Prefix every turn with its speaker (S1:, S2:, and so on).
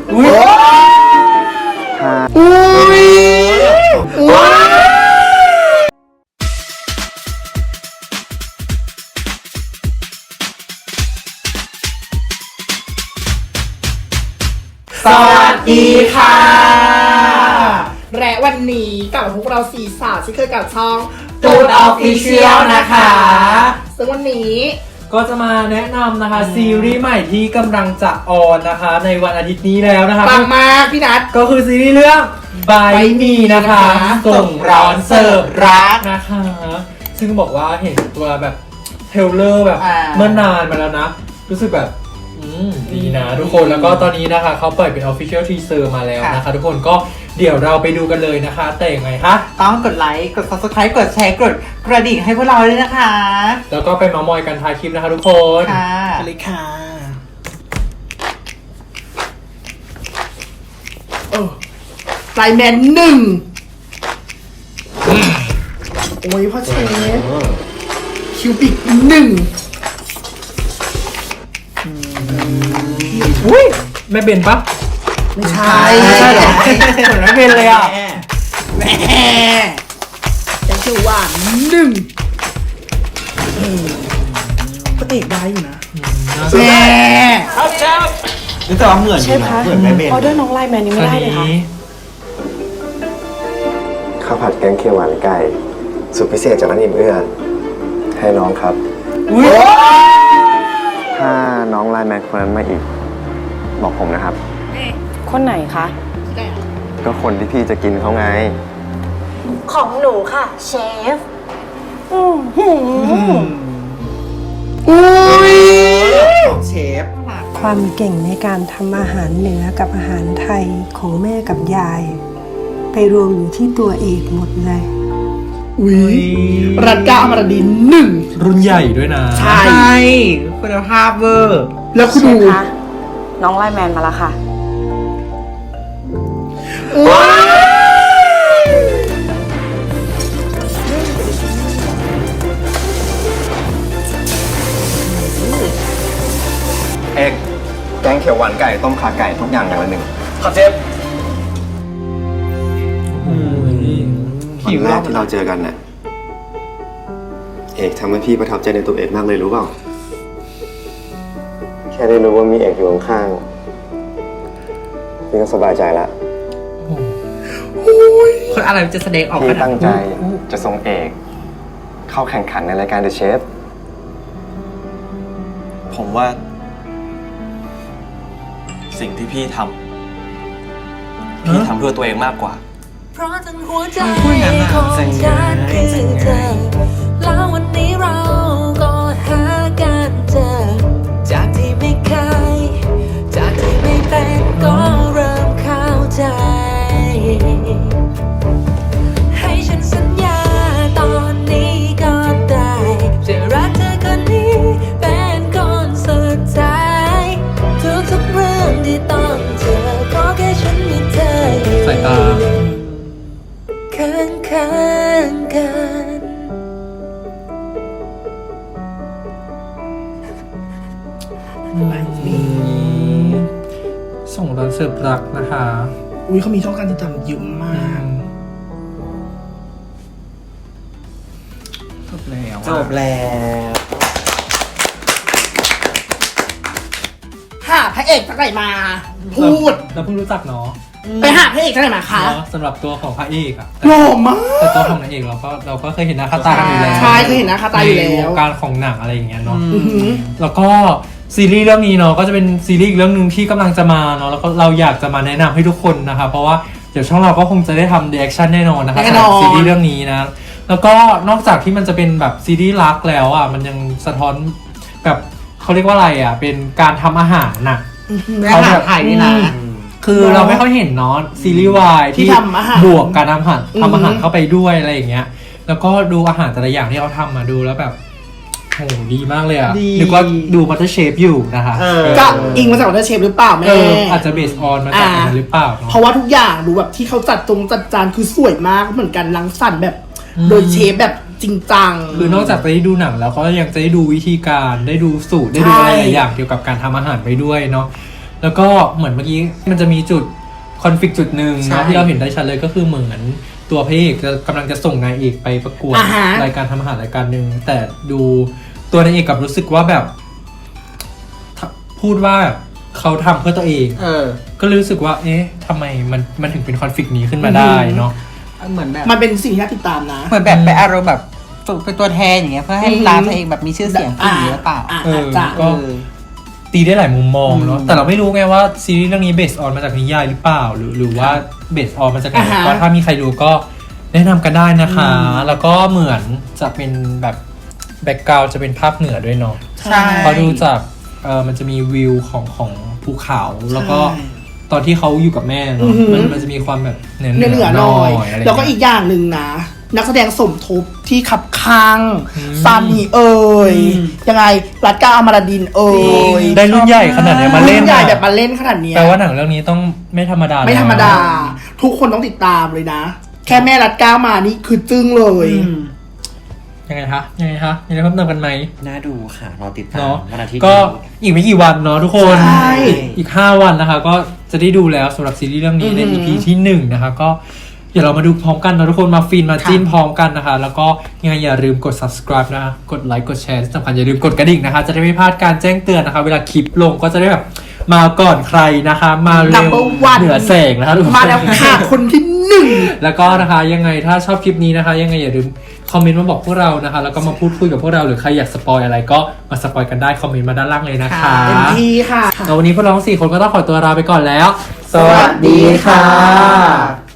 S1: อุ้ยสวัสดีค่ะและวันนี้กับพวกเราสี่สาวที่เคยกับช่อง
S2: Food Official นะคะ
S1: ซึ่งวันนี้
S2: ก็จะมาแนะนำนะคะซีรีส์ใหม่ที่กำลังจะออนนะคะในวันอาทิตย์นี้แล้วนะคะ
S1: ปังมากพี่นัท
S2: ก็คือซีรีส์เรื่อง By Me นะคะส่งร้อนเสิร์ฟรักนะคะ ซึ่งบอกว่าเห็นตัวแบบเทรลเลอร์แบบเมื่อนานมาแล้วนะ รู้สึกแบบดีนะทุกคนแล้วก็ตอนนี้นะคะเขาปล่อยเป็น Official Teaser มาแล้วนะคะทุกคนก็เดี๋ยวเราไปดูกันเลยนะคะแต่ยังไงคะ
S3: ต้องกดไลค์ กด Subscribe กดแชร์ กดกระดิ่งให้พวกเราด้วยนะคะ
S2: แล้วก็ไปเมามอยกันท้ายคลิปนะคะทุกคน
S3: ค่ะ
S1: ไปเลยค่ะไลแมน1โอ้ยพ่อเชฟคิวปิก1
S2: อุ้ยแม่เบนปะ
S1: ไม่ใช่
S2: ไม่ใช่เหรอเหมือนแม่เบนเลยอ่ะ
S1: แม่แต่คือว่า1ก็เอกได้อยู่นะแม่
S3: รู้สึกว่าเหมือนเหมือนแม่เบน
S4: ออเดอร์น้องไลน์แมนนี้ไม่ได้เลยค่ะ
S5: ข้าวผัดแกงเขียวหวานไก่สูตรพิเศษจากร้านอิ่มเอื้อให้น้องครับ ถ้าน้องไลน์แมนคนนั้นมาอีก บอกผมนะครับ
S4: คนไหนคะ
S5: ก็คนที่พี่จะกินเขาไง
S4: ของหนูค่ะ เชฟ
S3: ของเชฟ
S6: ความเก่งในการทำอาหารเหนือกับอาหารไทยของแม่กับยาย ไปรวมอยู่ที่ตัวเอกหมดเลย
S1: อุ้ยรัตดาอมรดิน1
S2: รุ่นใหญ่ด้วยนะ
S1: ใช่
S3: คุณภาพเวอร์
S1: แล้วคุณ
S4: เช
S1: ดู
S4: ฟคะ น้องไลน์แมนมาแล้วค่ะ
S5: เอกแกงเขียวหวานไก่ต้มขาไก่ทุกอย่างอย่างละ1ครับเชฟ วันแรกที่เราเจอกันน่ะเอกทำให้พี่ประทับใจในตัวเอกมากเลยรู้เปล่า แค่ได้รู้ว่ามีเอกอยู่ข้างๆพี่ก็สบายใจแล้ว
S3: คนอะไรจะแสดงออก
S5: พี่
S3: ขนาด
S5: ตั้งใจจะส่งเอกเข้าแข่งขันในรายการ The Chef
S7: ผมว่า สิ่งที่พี่ทำพี่ทำเพื่อตัวเองมากกว่า
S8: เพราะทั้งหัวใจของฉันคือเธอแล้ววันนี้เราก็หากันเจอจากที่ไม่เคยจากที่ไม่เป็นก็เริ่มเข้าใจให้ฉันสัญญาตอนนี้ก็ได้จะรักเธอคนนี้เป็นคนสุดท้ายทุกๆเรื่องที่ต้องเจอขอแค่ฉันมีเธออยู่
S2: สายตา
S8: ข้างกัน
S2: ส่งร้อนเสิร์ฟรักนะคะ
S1: อุ้ยเขามีช่องการติดตามเยอะมากจบแล้ว
S3: จบแล้ว
S1: หาพระเอกจากไหนมา พูด
S2: เราเพิ่งรู้จักเนาะ
S1: ไปหาพระเอกจากไหนมาคะ
S2: เนาะสำหรับตัวของพระเอกอะ
S1: หล่อมาก
S2: แต่ตัวของนางเอกเราก็เคยเห็นหน้าค่าตากันอยู่แล้ว
S1: ใช่เคยเห็นหน้าค่าตาอยู่แล้ว
S2: ในวงการของหนังอะไรอย่างเงี้ยเนาะ
S1: อือหือ
S2: แล้วก็ซีรีส์เรื่องนี้เนาะก็จะเป็นซีรีส์อีกเรื่องหนึ่งที่กำลังจะมาเนาะแล้วก็เราอยากจะมาแนะนำให้ทุกคนนะคะเพราะว่าเดี๋ยวช่องเราก็คงจะได้ทำรีแอคชั่นแน่นอนนะคะ
S1: แน่นอน
S2: สำหรับซีรีส์เรื่องนี้นะแล้วก็นอกจากที่มันจะเป็นแบบซีรีส์รักแล้วอ่ะมันยังสะท้อนแบบเขาเรียกว่าอะไรอ่ะเป็นการทำอาหารน่ะ
S3: อาหารไทยนี่นะ
S2: คือเราไม่ค่อยเห็นเนาะซีรีส์วาย
S1: ที่
S2: ที่
S1: ทำอาหาร
S2: บวกการทำอาหาร
S1: อืม
S2: ทำอาหารเข้าไปด้วยอะไรอย่างเงี้ย แล้วก็ดูอาหารแต่ละอย่างที่เขาทำมาดูแล้วแบบโหดีมากเลยอ่ะ
S3: ดี
S2: นึกว่าดูมัตเตอร์เชฟอยู่นะคะ
S1: ก็อิงมาจากวอเตอร์เชฟหรือเปล่าแม่
S2: อาจจะเบสออนมาจากนั้นหรือเปล่าเนาะ
S1: เพราะว่าทุกอย่างดูแบบที่เขาจัดจานคือสวยมากเหมือนกันรังสรรค์แบบ โดยเชฟแบบจริงจัง
S2: คือนอกจากจะได้ดูหนังแล้วก็ยังจะได้ดูวิธีการได้ดูสูตรได้ดูอะไรหลายอย่างเกี่ยวกับการทำอาหารไปด้วยเนาะแล้วก็เหมือนเมื่อกี้มันจะมีจุดคอนฟ lict จุดหนึ่ง
S1: ใช่
S2: เนาะที่เราเห็นได้ชัดเลยก็คือเหมือนตัวพระเอกกำลังจะส่งนายเอกไปประกวด
S1: อ่าฮะ
S2: รายการทำอาหารรายการหนึ่งแต่ดูตัวนายเอกกลับรู้สึกว่าแบบพูดว่าเขาทำเพื่อตัวเอง ก็เลยรู้สึกว่า เอ๊ะทำไมมันถึงเป็นคอนฟ lict นี้ขึ้นมาได้เนาะ
S3: เหมือนแบบ
S1: มันเป็นสิ่งที่น่าติดตามนะ
S3: เหมือนแบบไปอารมณ์แบบฝึกเป็นตัวแทนอย่างเงี้ยเพื่อให้ร้านตัวเองแบบมีชื่อเสียงขึ้นอย่างนี้หรือเปล่า
S1: จ้ะ
S2: ก็ ตีได้หลายมุมมองเนาะแต่เราไม่รู้ไงว่าซีรีส์เรื่องนี้เบสออนมาจากนิยายหรือเปล่าหรือว่าเบสออนมาจากไหน
S1: อ่าฮะ
S2: ก็ถ้ามีใครดูก็แนะนำกันได้นะคะ แล้วก็เหมือนจะเป็นแบบแบ็กกราวด์จะเป็นภาคเหนือด้วยเนาะ
S3: ใช่
S2: เพราะดูจากมันจะมีวิวของภูเขาแล้วก็
S1: ใช่
S2: ตอนที่เขาอยู่กับแม่เนาะมันจะมีความแบบเหนือ
S1: เหนือหน่อย
S2: อะไร
S1: แล้วก็อีกอย่างหนึ่งนะ นักแสดงสมทบที่ขับข้างซานีเอ่ยยังไงรัตกาอมรดินเอ่ย
S2: ได้รุ่นใหญ่ขนาดเนี้ยมาเล่น
S1: รุ่ใหญ่
S2: อะ
S1: แบบมาเล่นขนาดเนี้ย
S2: แปลว่าหนังเรื่องนี้ต้องไม่ธรรมดา
S1: ไม่ธรรมดา
S2: แล้ว
S1: ทุกคนต้องติดตามเลยนะ แค่แม่รัตกามานี่คือจึ้งเลย
S2: ยังไงคะมีอะไรเพิ่มเติมกันไหม
S7: น่าดูค่ะรอติดตาม
S2: เนาะ
S7: วันอาทิตย์
S2: ก็
S7: นี้
S2: อีกไม่กี่วันเนาะทุกคน
S1: ใช่
S2: อีก5วันนะคะ ก็จะได้ดูแล้วสำหรับซีรีส์เรื่องนี้ใน EP ที่1นะคะก็เดี๋ยวเรามาดูพร้อมกันนะทุกคนมาฟินมาจิ้นพร้อมกันนะคะ แล้วก็ยังไงอย่าลืมกด subscribe นะคะกดไลค์กดแชร์ที่สำคัญอย่าลืมกดกระดิ่งนะคะ จะได้ไม่พลาดการแจ้งเตือนนะคะ เวลาคลิปลงก็จะได้แบบมาก่อนใครนะคะ มาเร็ว
S1: Number one
S2: เหนือแสงนะคะทุกคน
S1: มาแล้วค่ะคนที่หนึ่ง
S2: แล้วก็นะคะยังไงถ้าชอบคลิปนี้นะคะ ยังไงอย่าลืมคอมเมนต์มาบอกพวกเรานะคะ แล้วก็มาพูดคุยกับพวกเราหรือใครอยากสปอยอะไรก็มาสปอยกันได้คอมเมนต์มาด้านล่างเลยนะคะ
S1: เต็มที่ค่ะ
S2: แล้ววันนี้พวกเราทั้ง4 คนก็ต้องขอตัวลาไปก่อนแล้ว
S1: สวัสดีค่ะ